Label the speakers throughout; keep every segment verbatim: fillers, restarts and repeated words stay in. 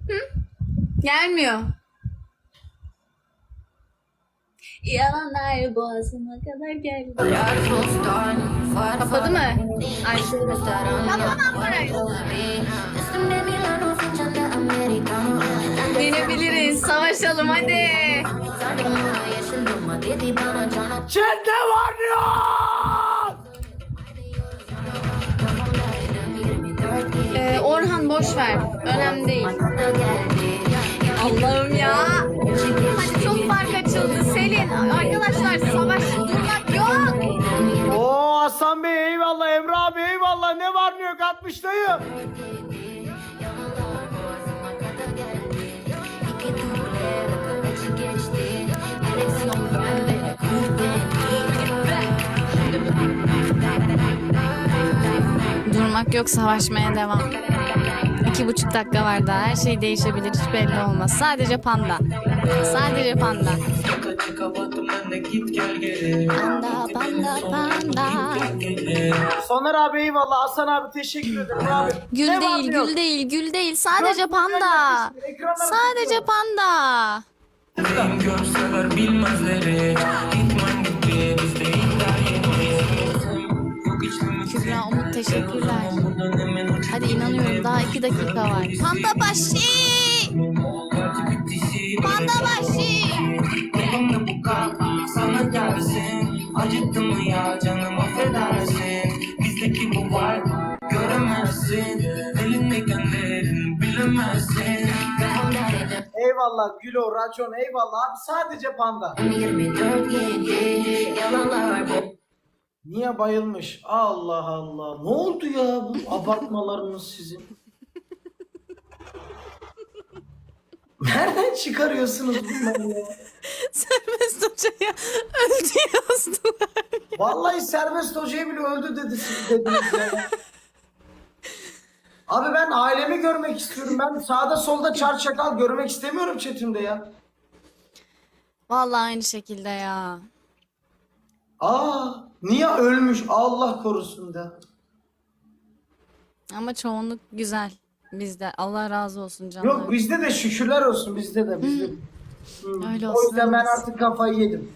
Speaker 1: Gelmiyor. Yalanlar boğazıma kadar geldi. Kapadı mı? Ay. Kapanan parayı. Binebiliriz. Savaşalım hadi.
Speaker 2: Çete var ya!
Speaker 1: Ee, Orhan boş ver. Önemli değil. Allah'ım ya. Hadi çok fark açıldı. Selin. Arkadaşlar savaş durmak yok.
Speaker 2: Oo Hasan Bey eyvallah, Emre abi eyvallah. Ne var ne yok altmış dayı.
Speaker 1: Durmak yok, savaşmaya devam. İki buçuk dakika var daha. Her şey değişebilir. Hiç belli olmaz. Sadece panda. Sadece panda. Panda, panda, panda.
Speaker 2: Soner abi eyvallah, Hasan abi teşekkür ederim abi.
Speaker 1: Gül
Speaker 2: Ne var
Speaker 1: değil,
Speaker 2: ne yok?
Speaker 1: gül değil, gül değil. Sadece
Speaker 2: Yok,
Speaker 1: panda.
Speaker 2: ekranlar
Speaker 1: Sadece
Speaker 2: açık.
Speaker 1: panda.
Speaker 3: Benim görseler bilmezleri İtman gitti bizde iddia yeniyiz. Yok içtim
Speaker 1: Kübra, Umut teşekkürler. Hadi inanıyorum, daha iki dakika var. Panda başı. Panda başı.
Speaker 3: Elimde bu kalp sana gelsin. Acıttı mı ya canım affedersin. Bizdeki bu var göremezsin. Elindeyken değerini bilemezsin.
Speaker 2: Eyvallah Gülo, Racon eyvallah abi, sadece panda.
Speaker 3: yirmi dört yedi yalanlar bu.
Speaker 2: Niye bayılmış? Allah Allah. Ne oldu ya bu abartmalarınız sizin? Nereden çıkarıyorsunuz bunları ya?
Speaker 1: Serbest hocaya öldü yazdılar.
Speaker 2: Vallahi Serbest Hoca'yı bile öldü dedi siz dediniz ya. Abi ben ailemi görmek istiyorum. Ben sağda solda çar çakal görmek istemiyorum chatimde ya.
Speaker 1: Vallahi aynı şekilde ya.
Speaker 2: Aa, niye ölmüş? Allah korusun da.
Speaker 1: Ama çoğunluk güzel bizde. Allah razı olsun canım.
Speaker 2: Yok bizde de şükürler olsun, bizde de bizde de. Hı.
Speaker 1: Öyle
Speaker 2: O
Speaker 1: olsun.
Speaker 2: yüzden ben
Speaker 1: öyle olsun.
Speaker 2: artık kafayı yedim.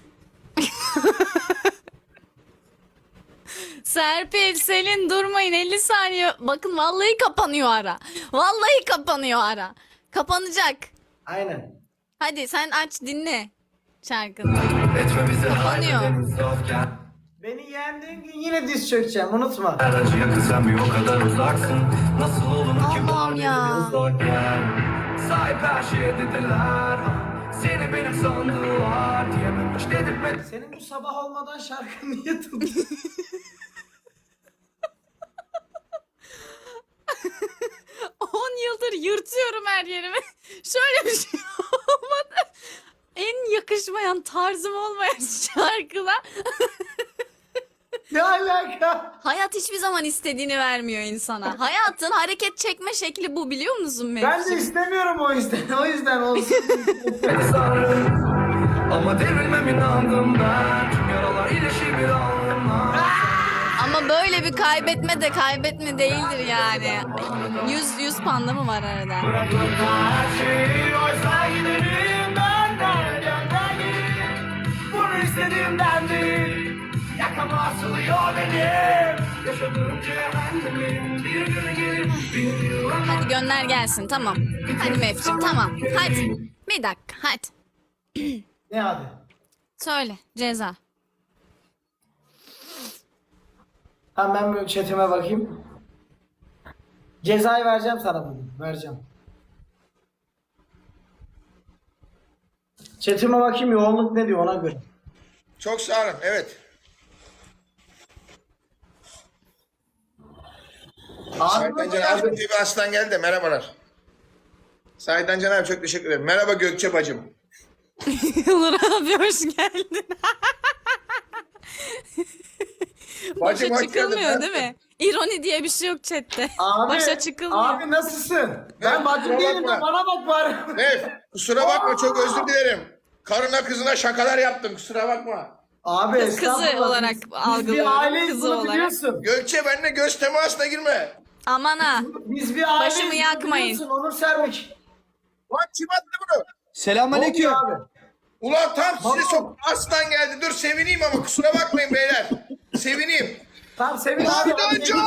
Speaker 1: Serpil, Selin durmayın, elli saniye. Bakın vallahi kapanıyor ara. Vallahi kapanıyor ara. Kapanacak.
Speaker 2: Aynen.
Speaker 1: Hadi sen aç dinle şarkını.
Speaker 3: Etmemize
Speaker 1: Kapanıyor.
Speaker 3: halledeniz ofken.
Speaker 2: Beni yendiğin gün yine diz çökeceğim, unutma.
Speaker 3: Her acıya kızan bir o kadar uzaksın. Nasıl olur ki bu
Speaker 1: Allah'ım ya.
Speaker 3: halimiz zorken. Sahip her şeye dediler. Seni benim sandılar diyememiş dedirtmedi.
Speaker 2: Senin bu sabah olmadan şarkın niye tuttu?
Speaker 1: on yıldır yırtıyorum her yerimi. Şöyle bir şey olmadı. En yakışmayan, tarzım olmayan şarkıla.
Speaker 2: Ne alaka?
Speaker 1: Hayat hiçbir zaman istediğini vermiyor insana. Hayatın hareket çekme şekli bu, biliyor musun
Speaker 2: Ben de
Speaker 1: Mevsim?
Speaker 2: istemiyorum o yüzden. O yüzden olsun.
Speaker 3: Beni sarın. Ama devrilmem inandım ben. Tüm yaralar iyileşir bir anlamda.
Speaker 1: Ama böyle bir kaybetme de kaybetme değildir yani. Yüz, yüz panda mı var arada?
Speaker 3: Bırakın her şeyi oysa giderim ben nereden geldim. Bunu istediğimden değil. Yakama asılıyor benim. Yaşadığım cehennemin bir günü gelir. Bir yıl ama
Speaker 1: Hadi gönder gelsin, tamam. Hadi Mevsim, tamam. Hadi. Bir dakika, hadi.
Speaker 2: Ne hadi?
Speaker 1: Söyle, ceza.
Speaker 2: Tamam ben böyle chatime bakayım. Cezayı vereceğim sana bugün. Vereceğim. Chatime bakayım, yoğunluk ne diyor ona göre.
Speaker 4: Çok sağ olun. Evet. Saidden Can abi diye bir aslan geldi de merhabalar. Saidden Can abi çok teşekkür ederim. Merhaba Gökçe bacım.
Speaker 1: Olur abi, hoş geldin.
Speaker 4: Bacım
Speaker 1: Başa
Speaker 4: hoş geldin.
Speaker 1: çıkılmıyor değil mi? İroni diye bir şey yok chatte.
Speaker 2: Abi,
Speaker 1: Başa çıkılmıyor.
Speaker 2: abi nasılsın? Ben
Speaker 4: Evet,
Speaker 2: bacım
Speaker 4: kusura
Speaker 2: değilim de
Speaker 4: bakma.
Speaker 2: bana bak bari.
Speaker 4: Nef kusura bakma çok özür dilerim. Karına kızına şakalar yaptım kusura bakma.
Speaker 2: Abi
Speaker 1: Kız kızı
Speaker 2: estağfurullah.
Speaker 1: olarak
Speaker 2: Biz- Biz
Speaker 1: algılıyorum,
Speaker 2: bir aileyiz,
Speaker 1: kızı
Speaker 2: bunu
Speaker 1: olarak.
Speaker 2: biliyorsun.
Speaker 4: Gökçe benimle göz temasına girme.
Speaker 1: Aman ha.
Speaker 2: Biz bir aileyiz.
Speaker 1: Başımı
Speaker 2: bunu
Speaker 1: yakmayın.
Speaker 2: biliyorsun, Onur Sermik.
Speaker 4: Lan kim attı bunu?
Speaker 5: Selamünaleyküm.
Speaker 2: Ne oluyor abi?
Speaker 4: Ulan tam size
Speaker 2: Marul.
Speaker 4: sok aslan geldi. Dur sevineyim ama kusura bakmayın beyler. Sevineyim.
Speaker 2: Tamam Sevin abi.
Speaker 4: Saydancan!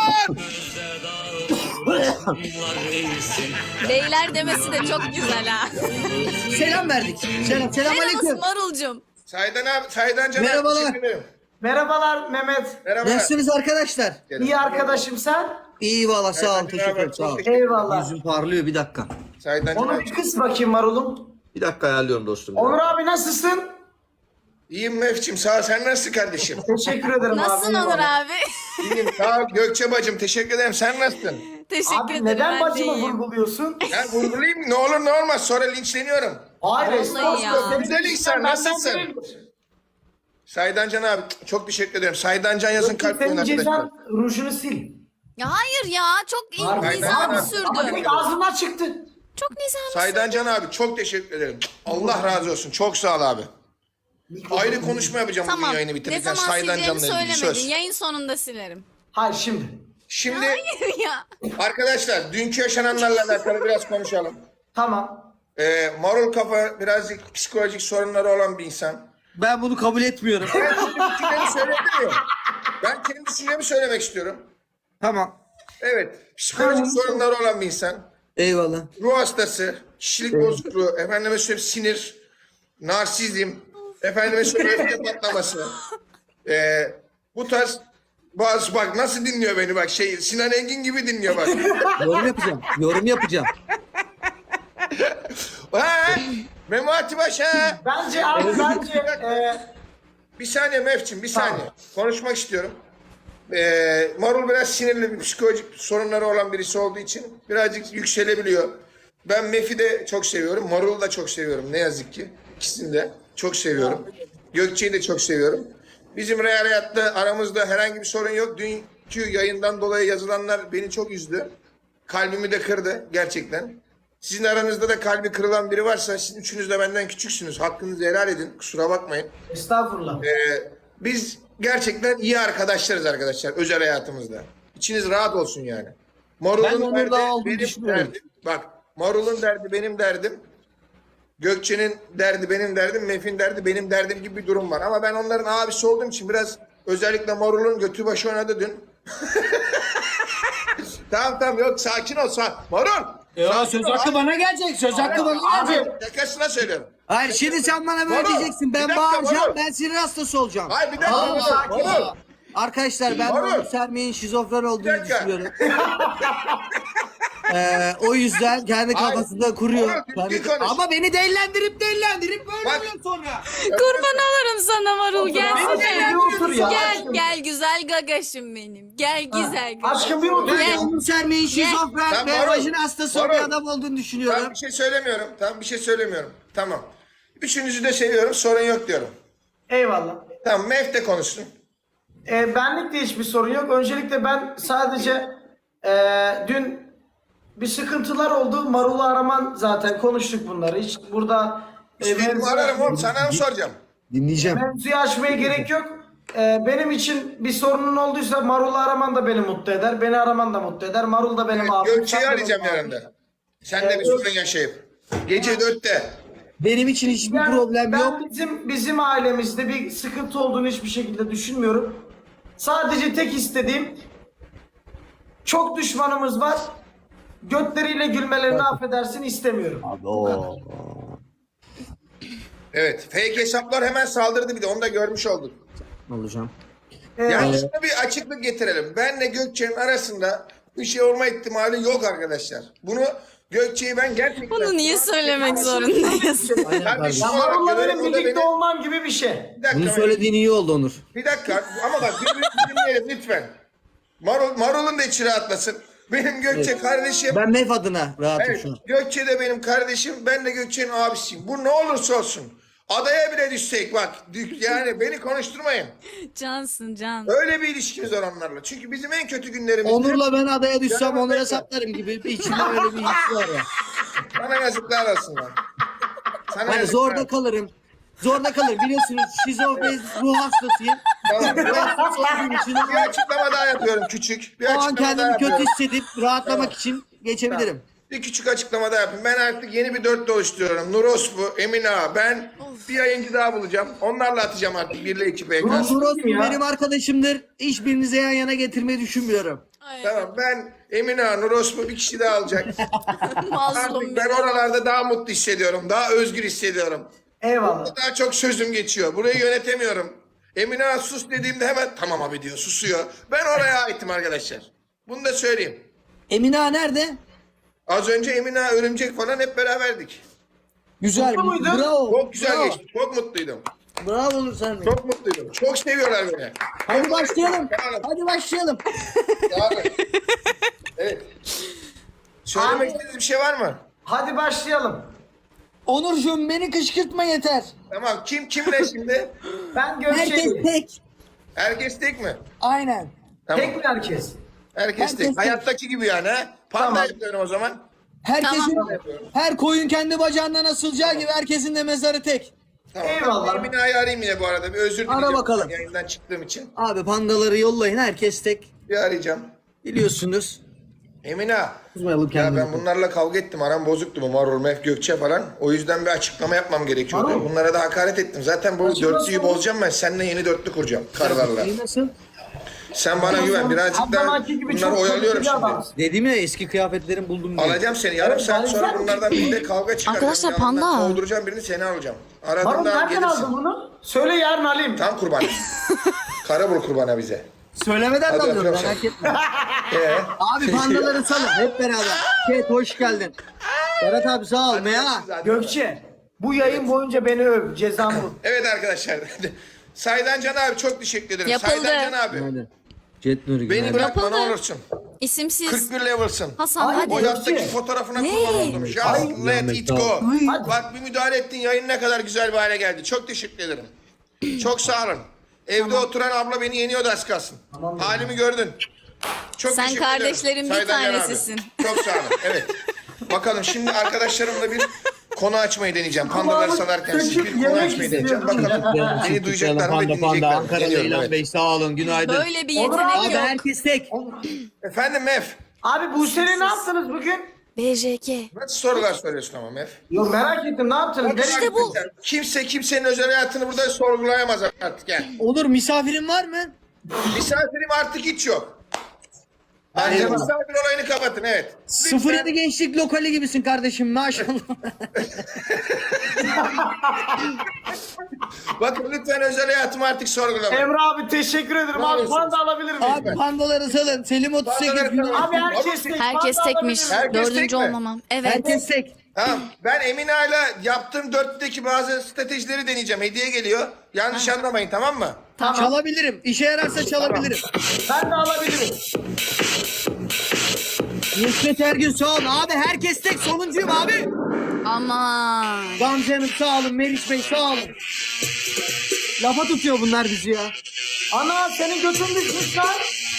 Speaker 1: Beyler demesi de çok güzel ha.
Speaker 5: Selam verdik. Selam.
Speaker 1: Merhaba
Speaker 5: Selamünaleyküm.
Speaker 1: Marulcum.
Speaker 4: Saydan abi, Saydancan abi
Speaker 5: Merhabalar.
Speaker 4: teşekkür ederim.
Speaker 2: Merhabalar Mehmet.
Speaker 4: Merhabalar.
Speaker 5: Nasılsınız arkadaşlar?
Speaker 2: İyi arkadaşım sen.
Speaker 5: İyi valla sağ ol.
Speaker 4: Saydan
Speaker 5: Teşekkür
Speaker 4: abi,
Speaker 5: ederim. Sağ ol.
Speaker 4: çok teşekkür ederim.
Speaker 2: Eyvallah.
Speaker 5: Yüzüm parlıyor bir dakika.
Speaker 4: Saydancan
Speaker 2: Onu
Speaker 4: abi.
Speaker 2: bir kıs bakayım Marul'um.
Speaker 5: Bir dakika ayarlıyorum dostum.
Speaker 2: Onur abi nasılsın?
Speaker 4: İyiyim Mefçim sağ ol. Sen nasılsın kardeşim?
Speaker 2: Teşekkür ederim
Speaker 1: Nasılsın
Speaker 2: abi.
Speaker 1: Onur
Speaker 2: eyvallah.
Speaker 1: abi?
Speaker 4: İyiyim sağ ol. Gökçe bacım teşekkür ederim. Sen nasılsın?
Speaker 1: Teşekkür
Speaker 2: Abi
Speaker 1: ederim.
Speaker 2: neden
Speaker 1: ben de
Speaker 2: bacımı
Speaker 1: iyiyim.
Speaker 2: vurguluyorsun?
Speaker 4: Ben vurgulayayım mı? Ne olur ne olmaz. Sonra linçleniyorum.
Speaker 2: Hayır
Speaker 1: Vallahi
Speaker 2: estağfurullah.
Speaker 1: ya.
Speaker 2: Senin
Speaker 4: Güzel insan,
Speaker 2: benden
Speaker 4: nasılsın?
Speaker 2: değildir.
Speaker 4: Saydancan abi çok teşekkür ederim. Saydancan yazın
Speaker 2: Yoksa
Speaker 4: kalp koyun
Speaker 2: senin
Speaker 4: arkadaşlar.
Speaker 2: cezan rujunu sil.
Speaker 1: Ya hayır ya çok iyi
Speaker 2: Harbi.
Speaker 1: nizam
Speaker 2: Ama
Speaker 1: sürdü.
Speaker 2: direkt ağzından çıktı.
Speaker 1: Çok nizam sürdü.
Speaker 4: Saydancan abi çok teşekkür ederim. Allah razı olsun. Çok sağ ol abi. Ayrı konuşma yapacağım bugün
Speaker 1: Tamam.
Speaker 4: yayını
Speaker 1: Ne
Speaker 4: bitirirken.
Speaker 1: zaman sileceğimi
Speaker 4: Saydancan'la ilgili
Speaker 1: söylemedin.
Speaker 4: söz.
Speaker 1: Yayın sonunda silerim.
Speaker 2: Hayır şimdi.
Speaker 4: Şimdi
Speaker 1: Hayır ya.
Speaker 4: arkadaşlar dünkü yaşananlarla alakalı biraz konuşalım.
Speaker 2: Tamam.
Speaker 4: Ee, Marul kafa birazcık psikolojik sorunları olan bir insan.
Speaker 5: Ben bunu kabul etmiyorum.
Speaker 4: Ben kendi düşüncemi söylemiyorum. Ben kendi düşüncemi söylemek istiyorum.
Speaker 5: Tamam.
Speaker 4: Evet. Psikolojik sorunları olan bir insan.
Speaker 5: Eyvallah.
Speaker 4: Ruh hastası, kişilik bozukluğu, efendime söyleyeyim sinir, narsizm, efendime söyleyeyim öfke patlaması. Ee, bu tarz bazı bak nasıl dinliyor beni bak şey Sinan Engin gibi dinliyor bak.
Speaker 5: Yorum yapacağım. Yorum yapacağım.
Speaker 4: Ha, Memati Paşa.
Speaker 2: Bence abi bence e,
Speaker 4: Bir saniye Mefçim bir saniye. Konuşmak istiyorum. Ee, Marul biraz sinirli bir psikolojik sorunları olan birisi olduğu için birazcık yükselebiliyor. Ben Mef'i de çok seviyorum. Marul'u da çok seviyorum ne yazık ki. İkisini de çok seviyorum. Gökçe'yi de çok seviyorum. Bizim real hayatta aramızda herhangi bir sorun yok. Dünkü yayından dolayı yazılanlar beni çok üzdü. Kalbimi de kırdı gerçekten. Sizin aranızda da kalbi kırılan biri varsa siz üçünüz de benden küçüksünüz. Hakkınızı helal edin. Kusura bakmayın.
Speaker 2: estağfurullah.
Speaker 4: Ee, biz gerçekten iyi arkadaşlarız arkadaşlar özel hayatımızda. İçiniz rahat olsun yani.
Speaker 5: Ben
Speaker 4: Marul'un
Speaker 5: onun
Speaker 4: derdi
Speaker 5: daha olduğunu
Speaker 4: benim
Speaker 5: düşünüyorum.
Speaker 4: derdim. Bak Marul'un derdi benim derdim. Gökçe'nin derdi benim derdim. Mef'in derdi benim derdim gibi bir durum var. Ama ben onların abisi olduğum için biraz özellikle Marul'un götü başı oynadı dün. Tamam tamam yok sakin ol. Sa Marul.
Speaker 5: Ya söz hakkı bana gelecek. Söz hakkı bana gelecek.
Speaker 4: Şakasına söylüyorum.
Speaker 5: Hayır şimdi sen bana böyle
Speaker 4: Marul,
Speaker 5: diyeceksin.
Speaker 4: bir
Speaker 5: Ben
Speaker 4: dakika,
Speaker 5: bağıracağım.
Speaker 4: Marul.
Speaker 5: Ben sinir hastası olacağım.
Speaker 4: Hayır bir dakika.
Speaker 5: Aa,
Speaker 4: Marul,
Speaker 2: sakin
Speaker 4: Marul.
Speaker 2: ol.
Speaker 5: Arkadaşlar ben
Speaker 4: Marul.
Speaker 5: Mahmut Sermi'nin şizofren olduğunu
Speaker 4: dakika.
Speaker 5: düşünüyorum. Ee, o yüzden kendi
Speaker 4: Hayır.
Speaker 5: kafasında kuruyor.
Speaker 4: Marul,
Speaker 5: Kendi-
Speaker 4: düzgün konuş.
Speaker 5: Ama beni dellendirip dellendirip böyle
Speaker 4: Bak.
Speaker 5: oluyor sonra.
Speaker 1: Kurban olurum sana Marul
Speaker 2: Abi
Speaker 1: gelsene.
Speaker 2: bir otur ya.
Speaker 1: Gel
Speaker 2: aşkım.
Speaker 1: gel güzel gagaşım benim. Gel güzel gagaşım.
Speaker 2: Aşkım bir otur
Speaker 5: Ben
Speaker 2: ya.
Speaker 5: Mahmut Sermi'nin şizofren
Speaker 4: Tamam,
Speaker 5: ve
Speaker 4: Marul.
Speaker 5: vajin hastası bir
Speaker 4: Marul.
Speaker 5: adam olduğunu
Speaker 4: Ben
Speaker 5: düşünüyorum.
Speaker 4: bir şey söylemiyorum. Tamam bir şey söylemiyorum. Tamam. Üçünüzü de seviyorum. Sorun yok diyorum.
Speaker 2: Eyvallah.
Speaker 4: Tamam Mef de konuşsun.
Speaker 2: E, benlik de hiçbir sorun yok. Öncelikle ben sadece e, dün bir sıkıntılar oldu. Marul'u araman zaten konuştuk bunları. Hiç burada e,
Speaker 4: İstediğimi
Speaker 2: mevzu-
Speaker 4: ararım oğlum. Sana mı soracağım?
Speaker 5: Dinleyeceğim.
Speaker 2: mevzuyu açmaya gerek yok. E, benim için bir sorunun olduysa Marul'u araman da beni mutlu eder. Beni araman da mutlu eder. Marul da benim abim.
Speaker 4: Gökçe'yi
Speaker 2: sen de
Speaker 4: arayacağım
Speaker 2: benim abim.
Speaker 4: yarın. Sen de bir
Speaker 2: Evet.
Speaker 4: sorun yaşayıp. Gece dörtte.
Speaker 5: Benim için hiçbir
Speaker 2: Yani
Speaker 5: problem
Speaker 2: ben
Speaker 5: yok.
Speaker 2: bizim bizim ailemizde bir sıkıntı olduğunu hiçbir şekilde düşünmüyorum. Sadece tek istediğim çok düşmanımız var. Götleriyle gülmelerini affedersin istemiyorum.
Speaker 4: Evet. Fake hesaplar hemen saldırdı bir de. Onu da görmüş olduk.
Speaker 5: Olacağım.
Speaker 2: Ee,
Speaker 4: Yani şuna bir açıklık getirelim. Benle Gökçe'nin arasında bir şey olma ihtimali yok arkadaşlar. Bunu Gökçe'yi ben gerçekten...
Speaker 1: Bunu niye söylemek zorundayız?
Speaker 4: Kardeşim
Speaker 2: ya
Speaker 4: olarak
Speaker 2: Marul'la
Speaker 4: görüyorum,
Speaker 2: benim
Speaker 4: o da
Speaker 2: birlikte
Speaker 4: beni-
Speaker 2: olmam gibi bir şey.
Speaker 4: Bir dakika,
Speaker 5: Bunu söylediğin iyi oldu Onur.
Speaker 4: bir dakika ama bak birbirimizi dinleyelim lütfen. Marul, Marul'un da içi rahatlasın. Benim Gökçe kardeşim.
Speaker 5: Ben Mef adına rahatım
Speaker 4: Evet,
Speaker 5: şu an.
Speaker 4: Gökçe de benim kardeşim, ben de Gökçe'nin abisiyim. Bu ne olursa olsun. Adaya bile düşsek bak, dük- yani beni konuşturmayın.
Speaker 1: Cansın can.
Speaker 4: Öyle bir ilişkimiz var onlarla. Çünkü bizim en kötü günlerimizde
Speaker 5: Onur'la ben adaya düşsem
Speaker 4: Canım
Speaker 5: Onur'a
Speaker 4: benim.
Speaker 5: saplarım gibi bir içimde öyle bir his var ya.
Speaker 4: sana yazıklar olsun lan. Sana
Speaker 5: Hani
Speaker 4: yazıklar
Speaker 5: zorda
Speaker 4: olsun.
Speaker 5: kalırım. Zorda kalırım. Biliyorsunuz şizofren ruh hastasıyım.
Speaker 4: Tamam.
Speaker 5: Ruh hastası olduğum için
Speaker 4: Bir açıklama daha yapıyorum küçük. Bir
Speaker 5: o an
Speaker 4: açıklama daha
Speaker 5: kendimi kötü
Speaker 4: yapıyorum.
Speaker 5: hissedip rahatlamak için geçebilirim.
Speaker 4: Bir küçük açıklama daha yapayım. Ben artık yeni bir dörtlü oluşturuyorum. Nurospu, Emine Ağa, ben bir yayıncı daha bulacağım. Onlarla atacağım artık birle iki P K.
Speaker 2: Nasıl
Speaker 5: Murat
Speaker 2: ya?
Speaker 5: benim arkadaşımdır. Hiçbirinize yan yana getirmeyi düşünmüyorum.
Speaker 4: Tamam, ben Emine Ağa, Nurospu bir kişi daha alacak.
Speaker 1: Mazlum
Speaker 4: Artık ben oralarda daha mutlu hissediyorum. Daha özgür hissediyorum.
Speaker 2: Eyvallah.
Speaker 4: Daha çok sözüm geçiyor. Burayı yönetemiyorum. Emine Ağa sus dediğimde hemen tamam abi diyor, susuyor. Ben oraya aitim arkadaşlar. Bunu da söyleyeyim.
Speaker 5: Emine Ağa nerede?
Speaker 4: Az önce Emine Ağa, Örümcek falan hep beraberdik.
Speaker 5: Güzel.
Speaker 2: Mutlu muydun?
Speaker 5: Bravo.
Speaker 4: Çok güzel
Speaker 5: bravo.
Speaker 4: geçti. Çok mutluydum.
Speaker 5: Bravo olur sen.
Speaker 4: Çok mutluydum. Çok seviyorlar beni.
Speaker 5: Hadi başlayalım.
Speaker 4: Sağ olun.
Speaker 5: Hadi başlayalım.
Speaker 4: Sağ olun. Evet. Söylemek istediğiniz bir şey var mı?
Speaker 2: Hadi başlayalım.
Speaker 5: Onurcuğum beni kışkırtma yeter.
Speaker 4: Tamam. Kim kimle şimdi?
Speaker 2: Ben
Speaker 5: Herkes
Speaker 2: Gökçe'yim.
Speaker 5: tek.
Speaker 4: Herkes tek mi?
Speaker 5: Aynen.
Speaker 4: Tamam.
Speaker 2: Tek mi herkes?
Speaker 4: Herkes
Speaker 5: herkes
Speaker 4: tek.
Speaker 5: tek.
Speaker 4: Hayattaki gibi yani ha? Panda
Speaker 2: Tamam.
Speaker 4: yapıyorum o zaman.
Speaker 5: Herkesin,
Speaker 1: Tamam.
Speaker 5: her koyun kendi bacağından asılacağı gibi herkesin de mezarı tek.
Speaker 4: Tamam.
Speaker 2: Eyvallah.
Speaker 4: Ben Emine Ağa'yı arayayım yine bu arada. Bir özür dileyeceğim.
Speaker 5: Ara bakalım.
Speaker 4: Yayından çıktığım için.
Speaker 5: Abi pandaları yollayın herkes tek.
Speaker 4: Bir arayacağım.
Speaker 5: Biliyorsunuz.
Speaker 4: Emine Ağa.
Speaker 5: Kızmayalım
Speaker 4: Ya
Speaker 5: kendimizi.
Speaker 4: ben bunlarla kavga ettim. Aram bozuktu bu Marul, Mef, Gökçe falan. O yüzden bir açıklama yapmam gerekiyordu.
Speaker 2: Marul.
Speaker 4: Bunlara da hakaret ettim. Zaten bu
Speaker 2: Açıklasana.
Speaker 4: dörtlüyü bozacağım ben. Seninle yeni dörtlü kuracağım. Karlarla.
Speaker 5: İyi nasıl?
Speaker 4: Sen bana güven. Birazcık daha
Speaker 2: Abdülhaki gibi
Speaker 4: bunları
Speaker 2: çok
Speaker 4: oyalıyorum
Speaker 2: kaliteli
Speaker 4: şimdi.
Speaker 2: adamsın.
Speaker 5: Dedim ya eski kıyafetlerimi buldum diye.
Speaker 4: Alacağım seni. Yarım
Speaker 2: Evet,
Speaker 4: saat sonra
Speaker 2: alacağım.
Speaker 4: bunlardan birinde kavga çıkaracağım.
Speaker 1: Arkadaşlar,
Speaker 4: Yanından
Speaker 1: panda.
Speaker 4: Kovduracağım birini, seni alacağım.
Speaker 2: Marul
Speaker 4: Aradığında
Speaker 2: nereden
Speaker 4: gelirsin.
Speaker 2: aldın bunu? Söyle yarın alayım.
Speaker 4: Tam kurban. Karabul kurbana bize.
Speaker 5: Söylemeden
Speaker 4: Hadi
Speaker 5: de alıyorum
Speaker 4: öpüyorum
Speaker 5: merak etme.
Speaker 4: Ee?
Speaker 5: Abi pandaları salın hep beraber. Ket hoş geldin. Berat abi sağ ol. Meya.
Speaker 2: Gökçe, bu yayın boyunca beni öv. Cezam bu.
Speaker 4: Evet arkadaşlar. Saydan Can abi çok teşekkür ederim.
Speaker 1: Yapıldı.
Speaker 4: Saydan Can abi.
Speaker 5: Hadi. Jet Nuri
Speaker 4: Beni
Speaker 5: günaydın.
Speaker 4: bırakma ne
Speaker 1: Yapıldı.
Speaker 4: olursun.
Speaker 1: İsimsiz.
Speaker 4: kırk bir level'sın.
Speaker 1: Hasan
Speaker 2: Ay,
Speaker 1: hadi.
Speaker 4: O yattaki
Speaker 2: Gökçe.
Speaker 4: fotoğrafına
Speaker 1: Ne?
Speaker 4: kurban oldum. Just
Speaker 2: Ay.
Speaker 4: let it go.
Speaker 2: Hadi.
Speaker 4: Bak bir müdahale ettin, yayın ne kadar güzel bir hale geldi. Çok teşekkür ederim. Çok sağ olun. Evde oturan abla beni yeniyordu az kalsın. Halimi gördün. Çok
Speaker 1: Sen
Speaker 4: teşekkür ederim.
Speaker 1: kardeşlerin bir
Speaker 4: Saydan Can abi.
Speaker 1: tanesisin.
Speaker 4: Çok sağ olun. Evet. Bakalım şimdi arkadaşlarımla bir konu açmayı deneyeceğim. Pandaları salarken siz bir konu
Speaker 2: Yemek
Speaker 4: açmayı deneyeceğim.
Speaker 2: istiyorum.
Speaker 4: Bakalım beni duyacaklar mı ve
Speaker 5: Panda panda.
Speaker 4: dinleyecekler mi?
Speaker 5: Ankaralı
Speaker 4: Deniyorum,
Speaker 5: İlhan
Speaker 4: evet.
Speaker 5: Bey sağ olun günaydın.
Speaker 1: Böyle bir
Speaker 2: Olur
Speaker 1: yetenek
Speaker 5: Abi
Speaker 1: yok.
Speaker 5: herkes tek.
Speaker 4: Efendim Mef.
Speaker 2: Abi Buse'yle ne yaptınız bugün?
Speaker 1: B J K.
Speaker 4: Nasıl sorular soruyorsun ama Mef?
Speaker 2: Yok merak ettim ne yaptınız?
Speaker 1: İşte bu.
Speaker 4: Kimse kimsenin özel hayatını burada sorgulayamaz artık yani.
Speaker 5: Olur misafirin var mı?
Speaker 4: Misafirim artık hiç yok. Bence
Speaker 5: Eyvallah.
Speaker 4: misafir olayını kapatın evet.
Speaker 5: sıfır yedi gençlik lokali gibisin kardeşim maşallah.
Speaker 4: Bakın lütfen özel hayatımı artık sorgulamayın.
Speaker 2: Emre abi teşekkür ederim.
Speaker 4: Ne
Speaker 2: Abi
Speaker 4: olursun.
Speaker 2: panda alabilir miyim?
Speaker 5: Abi pandaları salın. Selim otuz sekiz
Speaker 4: Pandaları
Speaker 5: günaydın.
Speaker 4: salın.
Speaker 2: Abi herkes tek.
Speaker 1: Herkes
Speaker 2: panda
Speaker 1: tekmiş.
Speaker 2: alabilir miyim?
Speaker 4: Herkes tek
Speaker 1: Dördüncü
Speaker 4: mi?
Speaker 1: olmamam. Evet.
Speaker 5: Herkes tek.
Speaker 4: Tamam. Ben Emine ile yaptığım dörtlüdeki bazı stratejileri deneyeceğim. Hediye geliyor. Yanlış anlamayın tamam mı?
Speaker 2: Tamam.
Speaker 5: Çalabilirim. İşe yararsa çalabilirim.
Speaker 2: Ben de alabilirim.
Speaker 5: Nusret Ergün sağ olun. Abi herkes tek sonuncuyum abi.
Speaker 1: Aman.
Speaker 5: Gamze Hanım sağ olun. Meriç Bey sağ olun. Lafa tutuyor bunlar bizi ya.
Speaker 2: Ana senin götün düşmüş lan.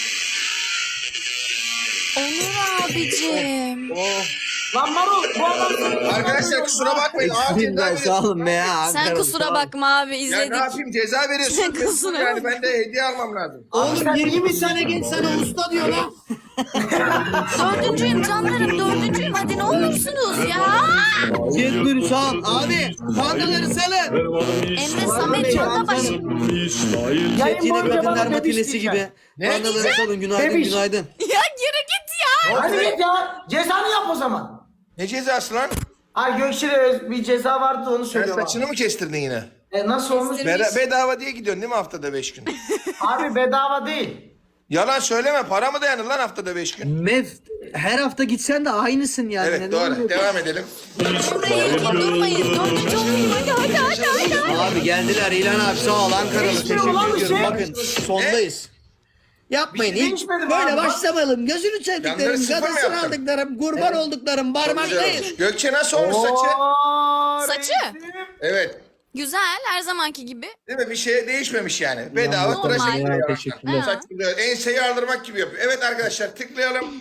Speaker 1: Onur abicim.
Speaker 5: Oh.
Speaker 2: Lan Marul bu adam.
Speaker 4: Arkadaşlar kusura bakmayın. Ağır ceza
Speaker 5: Eksikler sağ
Speaker 4: veriyorsun.
Speaker 5: olun be ya.
Speaker 1: Sen
Speaker 5: Ankaralı, sağ
Speaker 1: kusura
Speaker 5: olun.
Speaker 1: bakma abi
Speaker 4: Ya ne
Speaker 1: izledik.
Speaker 4: yapayım ceza veriyorsun.
Speaker 1: Sen kusura
Speaker 4: Yani
Speaker 1: bakma.
Speaker 4: ben de hediye almam lazım.
Speaker 5: Oğlum
Speaker 2: Sen iyi
Speaker 5: yirmi
Speaker 2: misin?
Speaker 5: tane genç sana usta diyor lan.
Speaker 1: Dördüncüyüm canlarım dördüncüyüm hadi ne olursunuz ya.
Speaker 5: Jet Nuri sağ ol. Abi pandaları salın.
Speaker 1: Emre Samet Yoldabaş.
Speaker 2: Yayın
Speaker 5: Yine
Speaker 2: boyunca
Speaker 5: kadınlar
Speaker 2: bana bebiş
Speaker 5: matinesi
Speaker 2: diyeceğim.
Speaker 5: gibi. Pandaları salın. Günaydın
Speaker 2: Bebiş.
Speaker 5: günaydın.
Speaker 1: Ya yürü git ya.
Speaker 2: Hadi git ya. Cezanı yap o zaman.
Speaker 4: Ne cezası lan?
Speaker 2: Ay Gökçe'de öz- bir ceza vardı onu
Speaker 4: Sen
Speaker 2: söylüyorum.
Speaker 4: saçını mı kestirdin yine?
Speaker 2: Abi. E, nasıl olmuş?
Speaker 4: Beda- bedava diye gidiyorsun değil mi haftada beş gün?
Speaker 2: Abi bedava değil.
Speaker 4: Yalan söyleme. Para mı dayanır lan haftada beş gün?
Speaker 5: Mev her hafta gitsen de aynısın yani.
Speaker 4: Evet
Speaker 5: Neden
Speaker 4: doğru.
Speaker 5: oluyor?
Speaker 4: Devam edelim.
Speaker 1: Emre ilkin durmayız. Dördüncü olayım hadi hadi hadi hadi. hadi.
Speaker 5: Abi geldiler İlhan abi sağ ol Ankaralı
Speaker 2: Değişmiyor lan
Speaker 5: teşekkür
Speaker 2: bir
Speaker 5: ediyorum.
Speaker 2: şey.
Speaker 5: Bakın sondayız. Yapmayın
Speaker 2: Bir şey
Speaker 5: hiç
Speaker 2: değişmedi
Speaker 5: böyle
Speaker 2: abi.
Speaker 5: başlamayalım. Gözünü
Speaker 4: Yanları
Speaker 5: sevdiklerim,
Speaker 4: sıfır mı
Speaker 5: gadısını
Speaker 4: yaptın?
Speaker 5: aldıklarım, kurban olduklarım,
Speaker 4: Güzel
Speaker 5: barmaktayız.
Speaker 4: olmuş. Gökçe nasıl olmuş saçı?
Speaker 2: Oo,
Speaker 1: Saçı.
Speaker 2: reisim.
Speaker 4: Evet.
Speaker 1: Güzel her zamanki gibi.
Speaker 4: Değil mi? Bir şey değişmemiş yani. Bedava
Speaker 1: Normal.
Speaker 4: tıraş ediyor.
Speaker 5: Teşekkürler.
Speaker 4: Saç gibi. Enseyi aldırmak gibi yapıyor. Evet arkadaşlar tıklayalım.